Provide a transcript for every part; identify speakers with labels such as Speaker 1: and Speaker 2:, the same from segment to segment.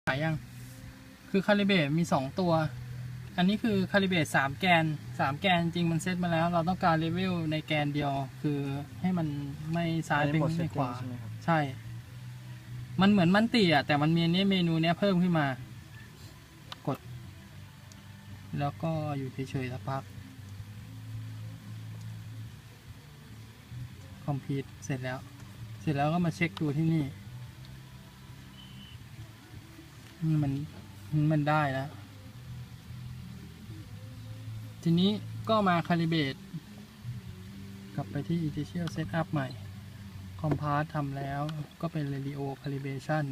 Speaker 1: ายยังคือคาลิเบรตมี2ตัวอันนี้คือคาลิเบรต3 แกนจริงมันเซตมาแล้วเราต้องการเลเวลในแกนเดียวคือให้มันไม่ซ้ายไปไม่ขวาใช่มันเหมือนมันตีแต่มันมีเมนูเนี้ยเพิ่มขึ้นมากดแล้วก็อยู่เฉยๆสักพักคอมพิวต์เสร็จแล้วก็มาเช็คดูที่นี่มันได้แล้วทีนี้ก็มาคาลิเบรตกลับไปที่ Initial Setup ใหม่ Compass ทำแล้วก็เป็น Radio Calibration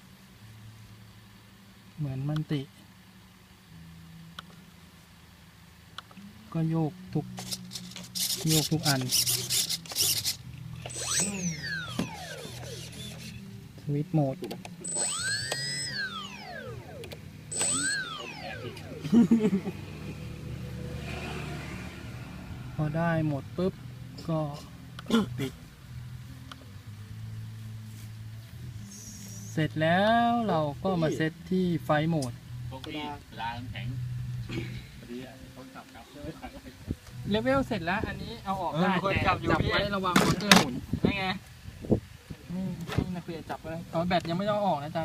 Speaker 1: เหมือนมันติก็โยกทุกอันสวิตช์โหมดพอได้หมดปุ๊บก็ปิดเสร็จแล้วเราก็มาเซตที่ไฟโหมดลาแข็งเลเวลเสร็จแล้วอันนี้เอาออกได้แต่จับไว้ระวังมอเตอร์หมุนได้ไงนี่นักเรียนจับไว้ตอนแบตยังไม่ต้องออกนะจ๊ะ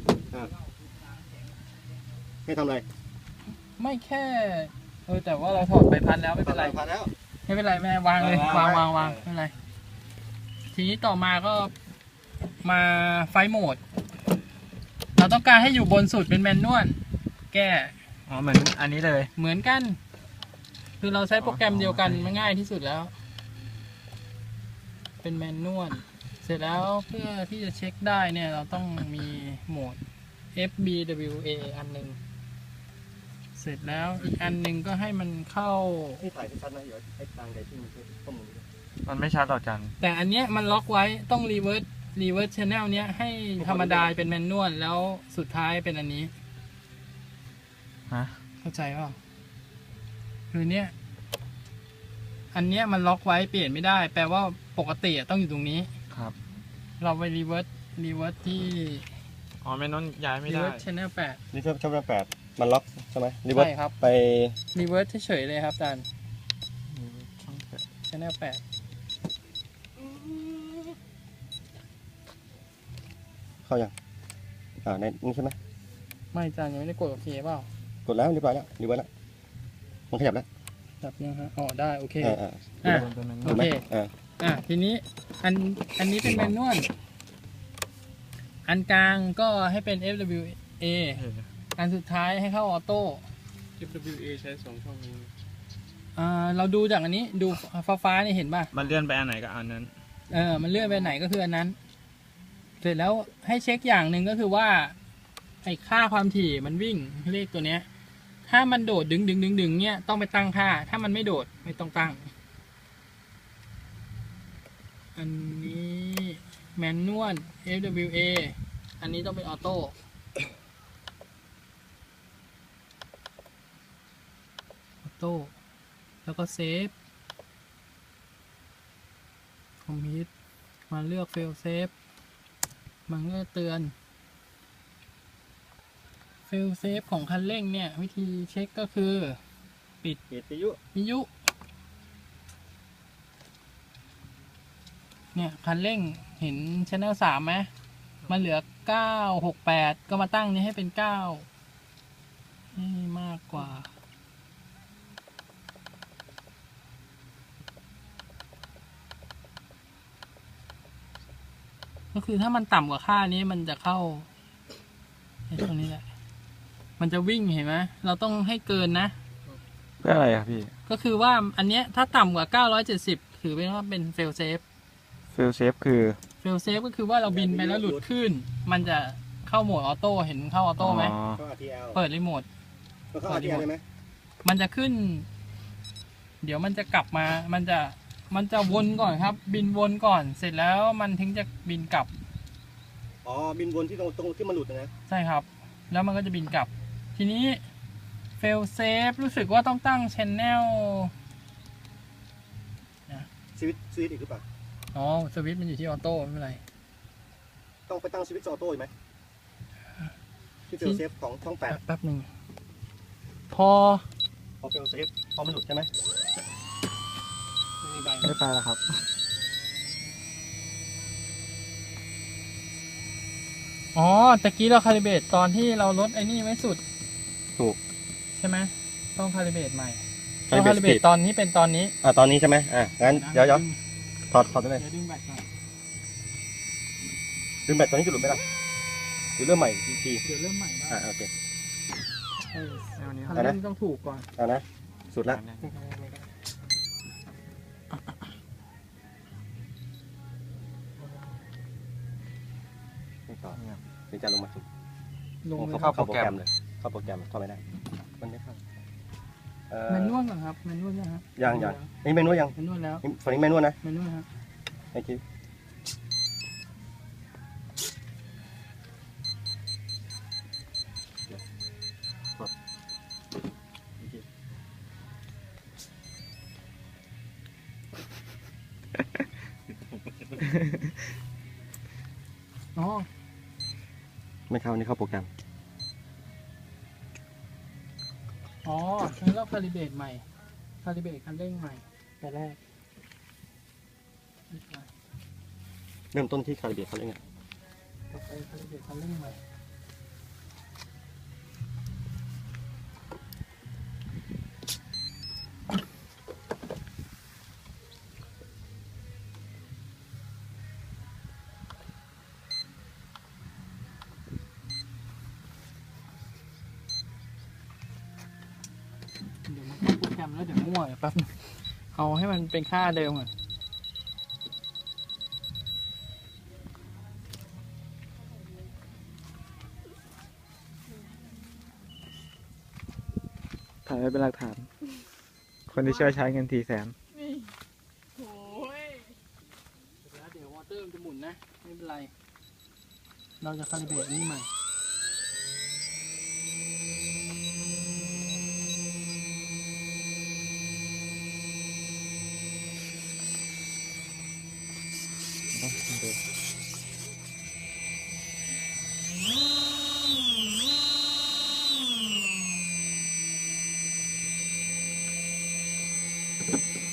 Speaker 2: ไม่ทำอะไร
Speaker 1: ไม่แค่แต่ว่าเราถอดใบพัดแล้วไม่เป็นไรไม่เป็นไรแม่วางเลยวางไม่เป็นไรทีนี้ต่อมาก็มาไฟโหมดเราต้องการให้อยู่บนสุดเป็นแมนนวลแก้
Speaker 3: เหมือนอันนี้เลย
Speaker 1: เหมือนกันคือเราใช้โปรแกรมเดียวกันมันง่ายที่สุดแล้วเป็นแมนนวลเสร็จแล้วเพื่อที่จะเช็คได้เนี่ยเราต้องมีโหมด FBWA อันหนึ่งเสร็จแล้วอีกอันหนึ่งก็ให้มันเข้า
Speaker 2: ที่ถ่ายชัดนะเดี๋ยวให้ตางใดที่
Speaker 3: มันไม่ชัดหรอกจัน
Speaker 1: แต่อันเนี้ยมันล็อกไว้ต้องรีเวิร์สชแนลเนี้ยให้ธรรมดาเป็นแมนนวลแล้วสุดท้ายเป็นอันนี้เข้าใจเปล่าคือเนี้ยอันเนี้ยมันล็อกไว้เปลี่ยนไม่ได้แปลว่าปกติต้องอยู่ตรงนี้
Speaker 3: ครับ
Speaker 1: เราไปรีเวิร์สที่
Speaker 3: แมนนวลย้ายไม่ได้
Speaker 1: รีเวิร์สชแนล8
Speaker 2: รีเวิร์สชแนล8มันล็อกใช่ไหมรีเวิร์ส
Speaker 1: ครับ
Speaker 2: ไป
Speaker 1: รีเวิร์สเฉยๆเลยครับอาจารย์ชแนล8
Speaker 2: เข้ายังในนี่ใช่ไหม
Speaker 1: ไม่อาจารย์ยังไม่ได้กดโอเคเปล่าก
Speaker 2: ดแล้วเรียบร้อยแล้วรีเวิร์สแล้วมันขยับแล้ว
Speaker 1: จับยังฮะได้โอเคโอเคทีนี้อันนี้เป็นแมนนวลอันกลางก็ให้เป็น FWA อันสุดท้ายให้เข้าออโต้
Speaker 3: FWA ใช้2 ช่องนี้
Speaker 1: เราดูจากอันนี้ดูฟ้านี่เห็นป่ะ
Speaker 3: มันเลื่อนไปอันไหนก็อันนั้น
Speaker 1: มันเลื่อนไปไหนก็คืออันนั้นเสร็จแล้วให้เช็คอย่างหนึ่งก็คือว่าไอ้ค่าความถี่มันวิ่งเลขตัวเนี้ยถ้ามันโดดดึงเนี้ยต้องไปตั้งค่าถ้ามันไม่โดดไม่ต้องตั้งอันนี้แมนนวล FWA อันนี้ต้องเป็นออโต้แล้วก็เซฟคอมพิวต์มาเลือกเฟลเซฟมันก็เตือนเฟลเซฟของคันเร่งเนี่ยวิธีเช็คก็คือปิด
Speaker 2: วิทยุ
Speaker 1: เนี่ยคันเร่งเห็น Channel 3ไหมมันเหลือ968ก็มาตั้งนี้ให้เป็น9นี่มากกว่าก็คือถ้ามันต่ำกว่าค่านี้มันจะเข้าตรงนี้แหละมันจะวิ่งเห็นไหมเราต้องให้เกินนะ
Speaker 3: เพื่ออะไรครับพี่
Speaker 1: ก็คือว่าอันเนี้ยถ้าต่ำกว่า970ถือเป็นว่าเป็นเฟลเซฟ
Speaker 3: คือ
Speaker 1: เฟลเซฟก็คือว่าเราบินไปแล้วหลุดขึ้นมันจะเข้าโหมดออโต้เห็นเข้าออโต้ไหมเปิดรีโมทมันจะขึ้นเดี๋ยวมันจะกลับมามันจะวนก่อนครับบินวนก่อนเสร็จแล้วมันถึงจะบินกลับ
Speaker 2: บินวนที่ตรงที่มันหลุดนะ
Speaker 1: ใช่ครับแล้วมันก็จะบินกลับทีนี้เฟลเซฟรู้สึกว่าต้องตั้ง Channel
Speaker 2: สวิตช์อีกหรือเปล่า
Speaker 1: สวิตช์มันอยู่ที่ออโต้ไม่เป็นไร
Speaker 2: ต้องไปตั้งสวิตช์ออโต้อีกไหมที่เฟลเซฟของช่องแปด
Speaker 1: แป๊บหนึ่งพอ
Speaker 2: พอเฟลเซฟพอมันหลุดใช่ไหม
Speaker 1: ไม่มีใบ
Speaker 3: ไม่ไปแล้วครับ
Speaker 1: อ๋อตะกี้เราคาลิเบรตตอนที่เราลดไอ้นี่ไว้สุด
Speaker 2: ถูก
Speaker 1: ใช่ไหมต้องคาลิเบรตใหม่
Speaker 2: คา
Speaker 1: ต้
Speaker 2: ลิ
Speaker 1: อง
Speaker 2: เบร
Speaker 1: คา
Speaker 2: ต
Speaker 1: ลิเบรตตอนนี้เป็นตอนนี้
Speaker 2: ตอนนี้ใช่ไหมงั้นเดี๋ยวถอดได้เลย
Speaker 1: เดี๋ยวดึงแบตก่อน
Speaker 2: ดึงแบตตอนนี้จะหลุดไหมล่ะหรือเริ่มใหม่อีกที
Speaker 1: เดี๋ยวเริ่มใหม่ได้
Speaker 2: โอเค
Speaker 1: คัน
Speaker 2: เอานะ
Speaker 1: เร่งต้องถูกก่อน
Speaker 2: เอานะสุดละไม่ต่อถึงจะลงมาสุด
Speaker 1: ลงเลย
Speaker 2: เข้าโปรแกรมเลยเข้าโปรแกรมเข้าไม่ได้มันไม่เข้า
Speaker 1: แมนนวลก่อนครับแมนนวลยังครับ
Speaker 2: ยังนี่เมนูยัง
Speaker 1: แมนนวลแล้ว
Speaker 2: ฝั่งนี้เมนูนะ
Speaker 1: แมนนวลครับ
Speaker 2: ไอ้คิว
Speaker 1: อ๋อ
Speaker 2: ไม่เข้านี่เข้าโปรแกรม
Speaker 1: อ๋องั้นเราคาลิเบรตใหม่คาลิเบรตคันเร่งใหม่แต่แรก
Speaker 2: เริ่มต้นที่คาลิเบรตเขาเรียกไง
Speaker 1: ต่อไปคาลิเบรตคันเร่งใหม่ เดี๋ยวมันเข้าโปรแกรมแล้วเดี๋ยวมั่วเดี๋ยวแป๊บนึงเอาให้มันเป็นค่าเดิมก่อน
Speaker 3: ถ่ายไว้เป็นหลักฐาน คนที่ช่วยใช้เงิน400,000
Speaker 1: แล้วเดี๋ยววอเตอร์มันจะหมุนนะ ไม่เป็นไร เราจะคาลิเบรตนี่ใหม่
Speaker 2: เ